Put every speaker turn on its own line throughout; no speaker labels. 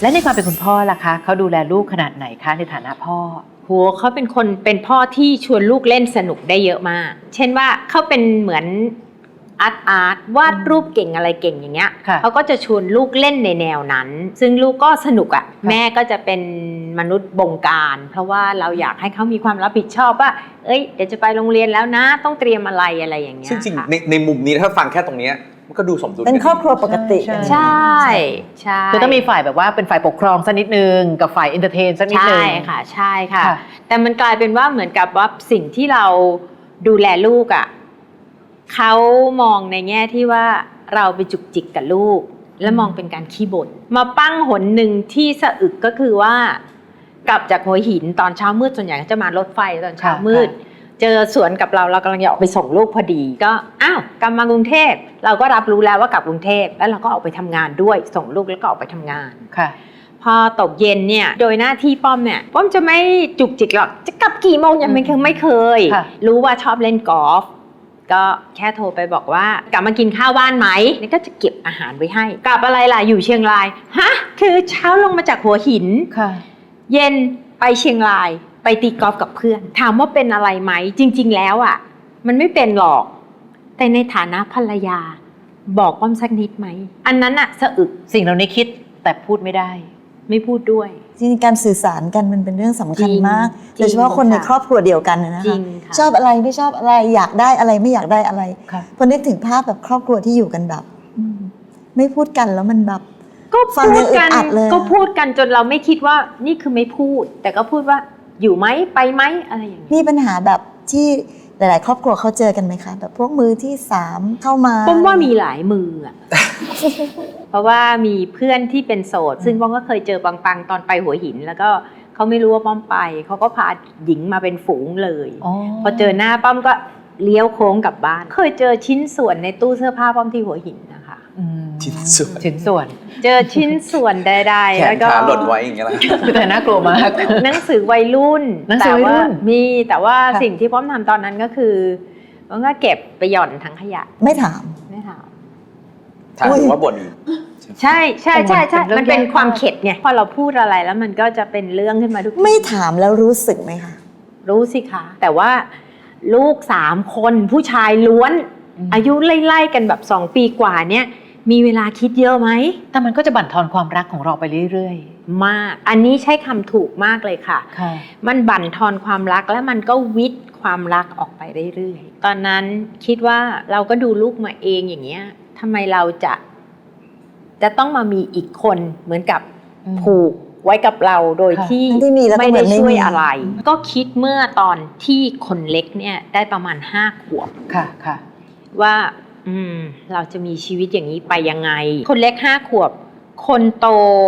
และในความเป็นคุณพ่อล่ะคะเขาดูแลลูกขนาดไหนคะในฐานะพ่อ
โหเขาเป็นพ่อที่ชวนลูกเล่นสนุกได้เยอะมากเช่นว่าเขาเป็นเหมือนอาร์ตวาดรูปเก่งอะไรเก่งอย่างเงี้ยเขาก็จะชวนลูกเล่นในแนวนั้นซึ่งลูกก็สนุกอ่ะแม่ก็จะเป็นมนุษย์บงการเพราะว่าเราอยากให้เขามีความรับผิดชอบว่าเอ้ยเดี๋ยวจะไปโรงเรียนแล้วนะต้องเตรียมอะไรอย่างเงี้ย
จริงๆในมุมนี้ถ้าฟังแค่ตรงนี้มันก็ดูสมดุล
เป็นครอบครัวปกติ
ใช่
คือต้องมีฝ่ายแบบว่าเป็นฝ่ายปกครองสักนิดนึงกับฝ่ายเอนเตอร์เทนสักนิดนึง
ใช่ค่ะแต่มันกลายเป็นว่าเหมือนกับว่าสิ่งที่เราดูแลลูกอ่ะเขามองในแง่ที่ว่าเราไปจุกจิกกับลูกและมองเป็นการขี้บ่นมาปั้งหนหนึ่งที่สะอึกก็คือว่ากลับจากหัวหินตอนเช้ามืดส่วนใหญ่จะมารถไฟตอนเช้ามืดเจอสวนกับเรากำลังจะออกไปส่งลูกพอดีก็อ้าวกลับมากรุงเทพเราก็รับรู้แล้วว่ากลับกรุงเทพแล้วเราก็ออกไปทำงานด้วยส่งลูกแล้วก็ออกไปทำงาน
ค่ะ
พอตกเย็นเนี่ยโดยหน้าที่ป้อมเนี่ยป้อมจะไม่จุกจิกหรอกจะกลับกี่โมงยังไม่เคยรู้ว่าชอบเล่นกอล์ฟก็แค่โทรไปบอกว่ากลับมากินข้าวบ้านไหมนี่ก็จะเก็บอาหารไว้ให้กลับอะไรล่ะอยู่เชียงรายฮะคือเช้าลงมาจากหัวหินเย็นไปเชียงรายไปตีกอล์ฟกับเพื่อนถามว่าเป็นอะไรไหมจริงๆแล้วอ่ะมันไม่เป็นหรอกแต่ในฐานะภรรยาบอกป้อมสักนิดไหมอันนั้นอะสะอึก
สิ่งเหล่านี้คิดแต่พูดไม่ได้
ไม่พูดด้วย
จริงๆการสื่อสารกันมันเป็นเรื่องสำคัญมากโดยเฉพาะคนในครอบครัวเดียวกันนะคะชอบอะไรไม่ชอบอะไรอยากได้อะไรไม่อยากได้อะไรพอนึกถึงภาพแบบครอบครัวที่อยู่กันแบบไม่พูดกันแล้วมันแบบ
ก็พูดกันก็พูดกันจนเราไม่คิดว่านี่คือไม่พูดแต่ก็พูดว่าอยู่ไหมไปไหมอะไรอย่างนี้
มีปัญหาแบบที่หลายๆครอบครัวเขาเจอกันไหมคะแบบพวกมือที่3เข้ามา
ป้อมว่ามีหลายมืออ่ะ เพราะว่ามีเพื่อนที่เป็นโสดซึ่งป้อมก็เคยเจอปังๆตอนไปหัวหินแล้วก็เขาไม่รู้ว่าป้อมไปเขาก็พาหญิงมาเป็นฝูงเลยพอเจอหน้าป้อมก็เลี้ยวโค้งกลับบ้านเคยเจอชิ้นส่วนในตู้เสื้อผ้าป้อมที่หัวหินนะคะ
ชิ้นส่วน
เจอชิ้นส่วนใดๆ
แล้วก็หล่นไว้อย่างเงี้ยแหละ
คือแต่น่ากลัวมาก
หนังสือวัยรุ่นแต่ว่าสิ่งที่ป้อมทำตอนนั้นก็คือป้อมก็เก็บไปหย่อนทั้งขยะ
ไม่ถาม
ถามว่าบ่น
ใช่มันเป็นความเข็ดไงพอเราพูดอะไรแล้วมันก็จะเป็นเรื่องขึ้นมาทุก
ไม่ถามแล้วรู้สึกไหมคะ
รู้สิคะแต่ว่าลูก3 คนผู้ชายล้วนอายุไล่ๆกันแบบ2 ปีกว่าเนี่ยมีเวลาคิดเยอะไหม
แต่มันก็จะบั่นทอนความรักของเราไปเรื่อย
ๆมากอันนี้ใช้คำถูกมากเลยค่ะมันบั่นทอนความรักแล้วมันก็วิทย์ความรักออกไปเรื่อยๆตอนนั้นคิดว่าเราก็ดูลูกมาเองอย่างเงี้ยทำไมเราจะต้องมามีอีกคนเหมือนกับผูกไว้กับเราโดยที่ไม่ได้ช่วยอะไรก็คิดเมื่อตอนที่คนเล็กเนี่ยได้ประมาณ5 ขวบ
ค่ะ
ว่าเราจะมีชีวิตอย่างนี้ไปยังไงคนเล็ก5 ขวบคนโต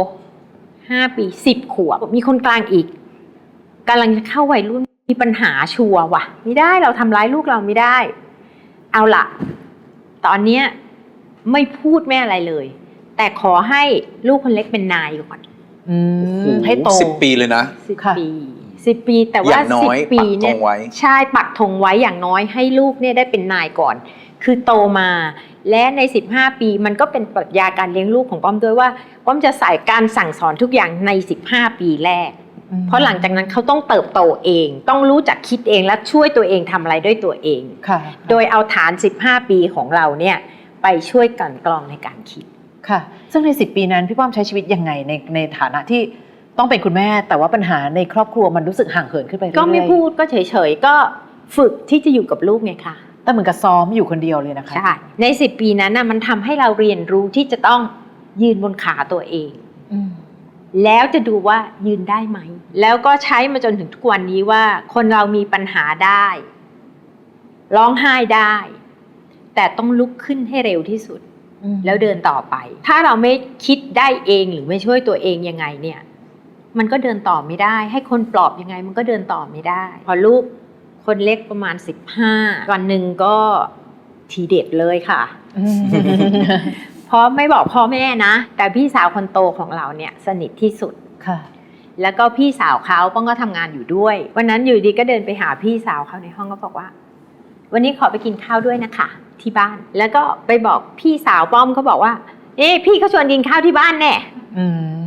5 ปี10 ขวบมีคนกลางอีกกำลังจะเข้าวัยรุ่นมีปัญหาชัวร์ว่ะไม่ได้เราทำร้ายลูกเราไม่ได้เอาล่ะตอนนี้ไม่พูดไม่อะไรเลยแต่ขอให้ลูกคนเล็กเป็นนายก่อน
ให้โต
10 ปีเลยนะ
10 ปีแต่ว่า10 ปีเนี่ยใช่ปักธงไว้อย่างน้อยให้ลูกเนี่ยได้เป็นนายก่อนคือโตมาและใน15 ปีมันก็เป็นปรัชญาการเลี้ยงลูกของป้อมด้วยว่าป้อมจะใส่การสั่งสอนทุกอย่างใน15 ปีแรกเพราะหลังจากนั้นเขาต้องเติบโตเองต้องรู้จักคิดเองและช่วยตัวเองทำอะไรด้วยตัวเองโดยเอาฐาน15 ปีของเราเนี่ยไปช่วยกันกรองในการคิด
ค่ะซึ่งใน10 ปีนั้นพี่ป้อมใช้ชีวิตยังไงในฐานะที่ต้องเป็นคุณแม่แต่ว่าปัญหาในครอบครัวมันรู้สึกห่างเหินขึ้นไปเรื่อยๆ
ก็ไม่พูดก็เฉยๆก็ฝึกที่จะอยู่กับลูกไงคะ
แต่เหมือนกับซ้อมอยู่คนเดียวเลยนะคะ
ใช่ใน10 ปีนั้นมันทำให้เราเรียนรู้ที่จะต้องยืนบนขาตัวเองแล้วจะดูว่ายืนได้ไหมแล้วก็ใช้มาจนถึงทุกวันนี้ว่าคนเรามีปัญหาได้ร้องไห้ได้แต่ต้องลุกขึ้นให้เร็วที่สุดแล้วเดินต่อไปถ้าเราไม่คิดได้เองหรือไม่ช่วยตัวเองยังไงเนี่ยมันก็เดินต่อไม่ได้ให้คนปลอบยังไงมันก็เดินต่อไม่ได้พอลูกคนเล็กประมาณ15วันหนึ่งก็ทีเด็ดเลยค่ะ เพราะไม่บอกพ่อแม่นะแต่พี่สาวคนโตของเราเนี่ยสนิทที่สุด
ค่ะ
แล้วก็พี่สาวเขาป้องก็ทำงานอยู่ด้วยวันนั้นอยู่ดีก็เดินไปหาพี่สาวเขาในห้องก็บอกว่าวันนี้ขอไปกินข้าวด้วยนะคะที่บ้านแล้วก็ไปบอกพี่สาวป้อมเขาบอกว่าพี่เขาชวนกินข้าวที่บ้านแน่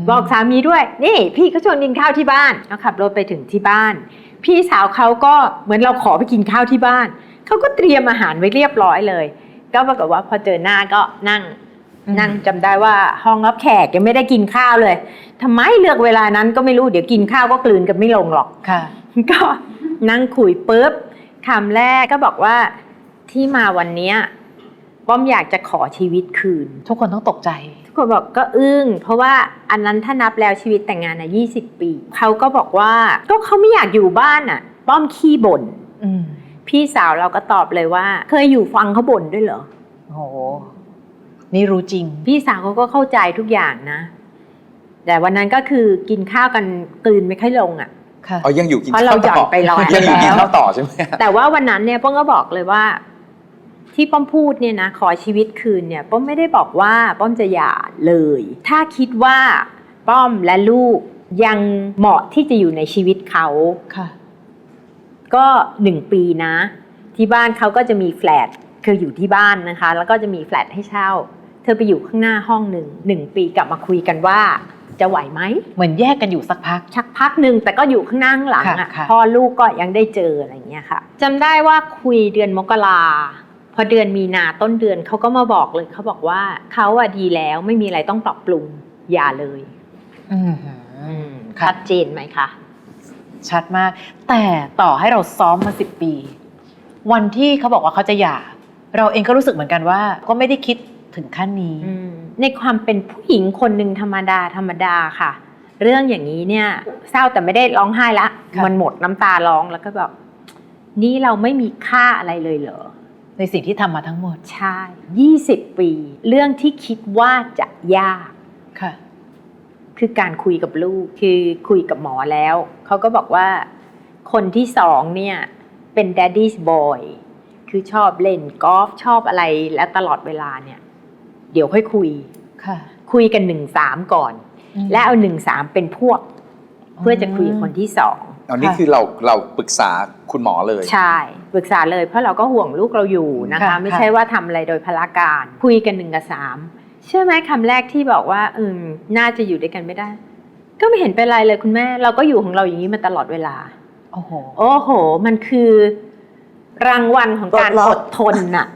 บอกสามีด้วยนี่พี่เขาชวนกินข้าวที่บ้านแล้วขับรถไปถึงที่บ้านพี่สาวเขาก็เหมือนเราขอไปกินข้าวที่บ้านเขาก็เตรียมอาหารไว้เรียบร้อยเลยก็ปรากฏว่าพอเจอหน้าก็นั่งจำได้ว่าห้องรับแขกยังไม่ได้กินข้าวเลยทำไมเลือกเวลานั้นก็ไม่รู้เดี๋ยวกินข้าวก็กลืนกันไม่ลงหรอก
ค่ะ
ก็นั่งคุยปุ๊บคำแรกก็บอกว่าที่มาวันเนี้ยป้อมอยากจะขอชีวิตคืน
ทุกคนต้องตกใจ
ทุกคนบอกก็อึ้งเพราะว่าอันนั้นถ้านับแล้วชีวิตแต่งงานน่ะ20 ปีเขาก็บอกว่าก็เขาไม่อยากอยู่บ้านน่ะป้อมขี้บ่นพี่สาวเราก็ตอบเลยว่าเคยอยู่ฟังเขาบ่นด้วยเหรอ
โอ้โหนี่รู้จริง
พี่สาวเขาก็เข้าใจทุกอย่างนะแต่วันนั้นก็คือกินข้าวกันกลืนไม่ค่อยลงอ่ะ
ค่ะ
อ๋อยังอยู่กิน
เพราะ
ข้าว
เราหย่
ต่
อ
อน
ไปร้อย
ยังอยู่กิน
แล้ว
ข้าวต่อใช่ไหม
แต่ว่าวันนั้นเนี่ยป้อมก็บอกเลยว่าที่ป้อมพูดเนี่ยนะขอชีวิตคืนเนี่ยป้อมไม่ได้บอกว่าป้อมจะหย่าเลย ถ้าคิดว่าป้อมและลูกยังเหมาะที่จะอยู่ในชีวิตเขา
ค่ะ
ก็1 ปีนะที่บ้านเขาก็จะมีแฟลตคืออยู่ที่บ้านนะคะแล้วก็จะมีแฟลตให้เช่าเธอไปอยู่ข้างหน้าห้อง1 ปีกลับมาคุยกันว่าจะไหวไหม
เหมือนแยกกันอยู่สักพัก
ชักพักหนึ่งแต่ก็อยู่ข้างหน้าข้างหลังอ่ะ
ค่ะ
พ่อลูกก็ยังได้เจออะไรอย่างเงี้ยค่ะจำได้ว่าคุยเดือนมกราพอเดือนมีนาต้นเดือนเขาก็มาบอกเลยเขาบอกว่าเขาอะดีแล้วไม่มีอะไรต้องปรับปรุงอย่าเลย
ค่ะ
ชัดเจนไหมคะ
ชัดมาก แต่ต่อให้เราซ้อมมา10 ปี วันที่เขาบอกว่าเขาจะหย่า เราเองก็รู้สึกเหมือนกันว่า ก็ไม่ได้คิดถึงขั้นนี้
ในความเป็นผู้หญิงคนหนึ่งธรรมดาค่ะ เรื่องอย่างนี้เนี่ยเศร้าแต่ไม่ได้ร้องไห้ละ
ค่ะ
มันหมดน้ำตาร้องแล้วก็แบบนี่เราไม่มีค่าอะไรเลยเหรอ
ในสิ่งที่ทำมาทั้งหมด
ใช่20 ปี เรื่องที่คิดว่าจะยาก
ค่ะ
คือการคุยกับลูกคือคุยกับหมอแล้วเขาก็บอกว่าคนที่2เนี่ยเป็น daddy's boy คือชอบเล่นกอล์ฟชอบอะไรและตลอดเวลาเนี่ยเดี๋ยวค่อยคุย
ค่ะ
คุยกัน1-3ก่อน และเอา1-3เป็นพวก เพื่อจะคุยกับคนที่2
อันนี้คือเราปรึกษาคุณหมอเลย
ใช่ปรึกษาเลยเพราะเราก็ห่วงลูกเราอยู่นะคะ
ค่ะ
ไม่ใช่ว่าทำอะไรโดยพละการคุยกัน1-3เชื่อไหมคำแรกที่บอกว่าน่าจะอยู่ด้วยกันไม่ได้ ก็ไม่เห็นเป็นไรเลยคุณแม่เราก็อยู่ของเราอย่างนี้มาตลอดเวลา
โอ้โห
โอ้โหมันคือรางวัลของการอดทนน่ะ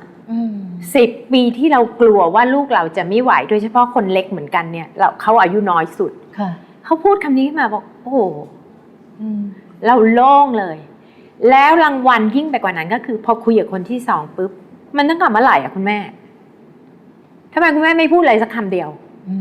10 ปีที่เรากลัวว่าลูกเราจะไม่ไหวโดยเฉพาะคนเล็กเหมือนกันเนี่ยเขาอายุน้อยสุด
ค่ะ
เขาพูดคำนี้ขึ้นมาบอกโอ้โหเราโล่งเลย แล้วรางวัลยิ่งไปกว่านั้นก็คือพอคุยกับคนที่2ปุ๊บมันต้องกลับเมื่อไหร่อ่ะคุณแม่ทำไมคุณแม่ไม่พูดอะไรสักคำเดียว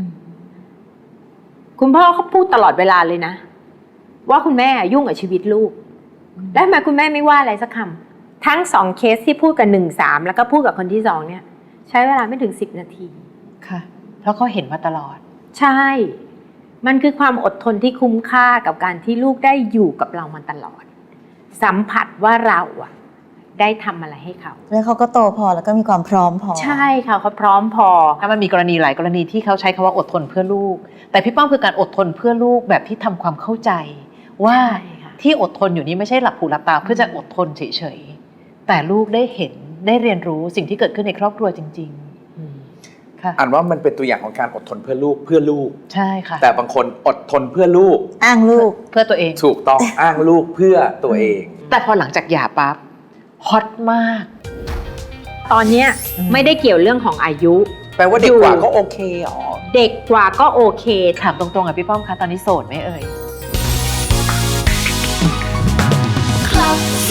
คุณพ่อเขาพูดตลอดเวลาเลยนะว่าคุณแม่ยุ่งกับชีวิตลูกแล้วทำไมคุณแม่ไม่ว่าอะไรสักคำทั้ง2เคสที่พูดกับ1-3แล้วก็พูดกับคนที่2เนี่ยใช้เวลาไม่ถึง10 นาที
ค่ะ เพราะเขาเห็นมาตลอด
ใช่ มันคือความอดทนที่คุ้มค่ากับการที่ลูกได้อยู่กับเรามาตลอด สัมผัสว่าเราอะได้ทำอะไรให้เขา
แล้วเขาก็โตพอแล้วก็มีความพร้อมพอ
ใช่ค่ะเขาพร้อมพอ
ถ้ามันมีกรณีหลายกรณีที่เขาใช้คำว่าอดทนเพื่อลูก แต่พี่ป้อมคือการอดทนเพื่อลูกแบบที่ทำความเข้าใจ ว่า
ใช่ค่ะ
ที่อดทนอยู่นี้ไม่ใช่หลับหูหลับตาเพื่อจะอดทนเฉยๆแต่ลูกได้เห็นได้เรียนรู้สิ่งที่เกิดขึ้นในครอบครัวจริงๆค่ะ
อ่านว่ามันเป็นตัวอย่างของการอดทนเพื่อลูก
ใช่ค่ะ
แต่บางคนอดทนเพื่อลูก
อ้างลูก
เพื่อตัวเอง
ถูกต้องอ้างลูกเพื่อตัวเอง
แต่พอหลังจากหย่าปั๊บฮอตมาก
ตอนเนี้ยไม่ได้เกี่ยวเรื่องของอายุ
แปลว่าเด็กกว่าก็โอเคอ๋อ
เด็กกว่าก็โอเค
ถามตรงๆอ่ะพี่ป้อมคะตอนนี้โสดไหมเอ่ย
Club